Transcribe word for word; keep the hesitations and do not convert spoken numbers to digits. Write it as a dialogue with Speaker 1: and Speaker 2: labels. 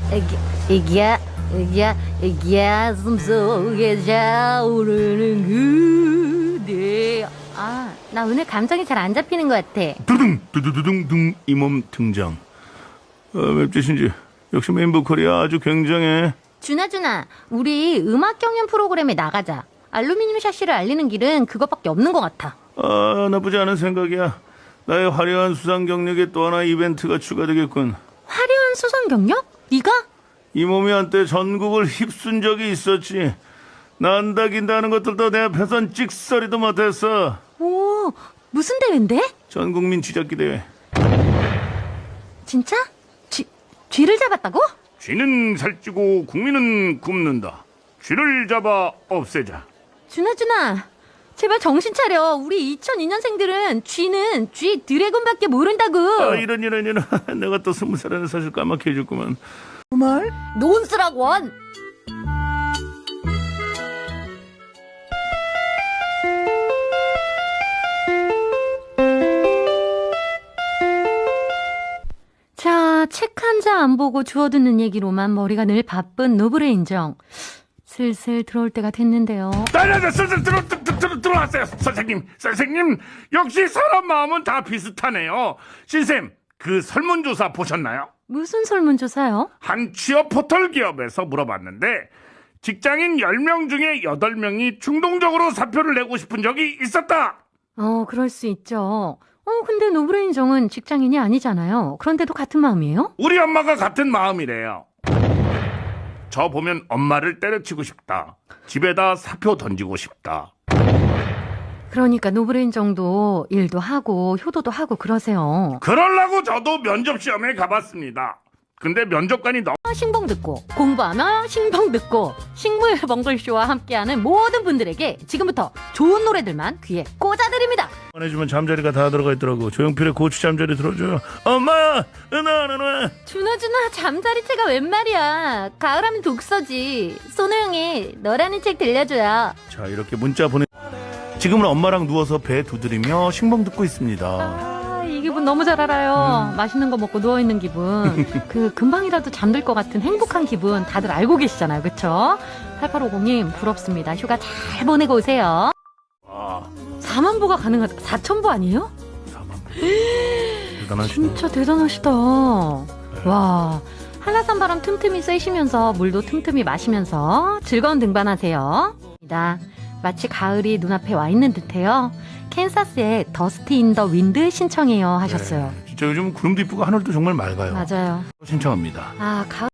Speaker 1: 애기, 애기야, 애기야, 애기야, 숨속에 자오르는 그대. 아, 나 오늘 감정이 잘 안 잡히는 것 같아.
Speaker 2: 두둥 두두두둥둥 이 몸 등장. 어, 맵짓인지 역시 메인 보컬이 아주 굉장해.
Speaker 1: 준아, 준아, 우리 음악 경연 프로그램에 나가자. 알루미늄 샤시를 알리는 길은 그것밖에 없는 것 같아.
Speaker 2: 아, 나쁘지 않은 생각이야. 나의 화려한 수상 경력에 또 하나 이벤트가 추가되겠군.
Speaker 1: 화려한 수상 경력? 네가?
Speaker 2: 이 몸이 한때 전국을 휩쓴 적이 있었지. 난다 긴다 하는 것들도 내 앞에선 찍소리도 못했어.
Speaker 1: 오, 무슨 대회인데?
Speaker 2: 전국민 쥐잡기 대회.
Speaker 1: 진짜? 쥐, 쥐를 잡았다고?
Speaker 2: 쥐는 살찌고 국민은 굶는다. 쥐를 잡아 없애자.
Speaker 1: 준아, 준아, 제발 정신 차려. 우리 이천이 년생들은 쥐는 쥐 드래곤밖에 모른다고.
Speaker 2: 아, 이런 이런 이런. 내가 또 스무 살에는 사실 까맣게 해줬구만. 말?
Speaker 1: 논스락원. 자, 책 한 자 안 보고 주워듣는 얘기로만 머리가 늘 바쁜 노브레 인정. 슬슬 들어올 때가 됐는데요.
Speaker 2: 나나나 슬슬 들어 들어 들어 들어왔어요. 선생님, 선생님 역시 사람 마음은 다 비슷하네요. 신쌤, 그 설문조사 보셨나요?
Speaker 1: 무슨 설문조사요?
Speaker 2: 한 취업 포털 기업에서 물어봤는데 직장인 열 명 중에 여덟 명이 충동적으로 사표를 내고 싶은 적이 있었다.
Speaker 1: 어, 그럴 수 있죠. 어, 근데 노브레 인정은 직장인이 아니잖아요. 그런데도 같은 마음이에요?
Speaker 2: 우리 엄마가 같은 마음이래요. 저 보면 엄마를 때려치고 싶다. 집에다 사표 던지고 싶다.
Speaker 1: 그러니까 노브레 인정도 일도 하고 효도도 하고 그러세요.
Speaker 2: 그러려고 저도 면접 시험에 가봤습니다. 근데 면접관이 너무
Speaker 1: 신봉 듣고 공부하며 신봉 듣고 식물벙글쇼와 함께하는 모든 분들에게 지금부터 좋은 노래들만 귀에 꽂아드립니다.
Speaker 2: 해주면 잠자리가 다 들어가 있더라고. 조용필의 고추 잠자리 들어줘요. 엄마야, 은하은하.
Speaker 1: 준호준호 잠자리채가 웬 말이야. 가을하면 독서지. 손호영의 너라는 책 들려줘요.
Speaker 2: 자, 이렇게 문자 보내. 지금은 엄마랑 누워서 배 두드리며 신봉 듣고 있습니다.
Speaker 1: 아, 이 기분 너무 잘 알아요. 음. 맛있는 거 먹고 누워있는 기분. 그 금방이라도 잠들 것 같은 행복한 기분 다들 알고 계시잖아요. 그쵸? 팔팔오공님 부럽습니다. 휴가 잘 보내고 오세요.
Speaker 2: 와,
Speaker 1: 사만 보가 가능하다. 사천 보 아니에요?
Speaker 2: 사만 보. 대단하시네.
Speaker 1: 진짜 대단하시다. 네. 와, 한라산 바람 틈틈이 쐬시면서 물도 틈틈이 마시면서 즐거운 등반하세요. 마치 가을이 눈앞에 와 있는 듯해요. 캔사스의 더스티 인 더 윈드 신청해요 하셨어요.
Speaker 2: 네, 진짜 요즘 구름도 이쁘고 하늘도 정말 맑아요.
Speaker 1: 맞아요.
Speaker 2: 신청합니다.
Speaker 1: 아, 가을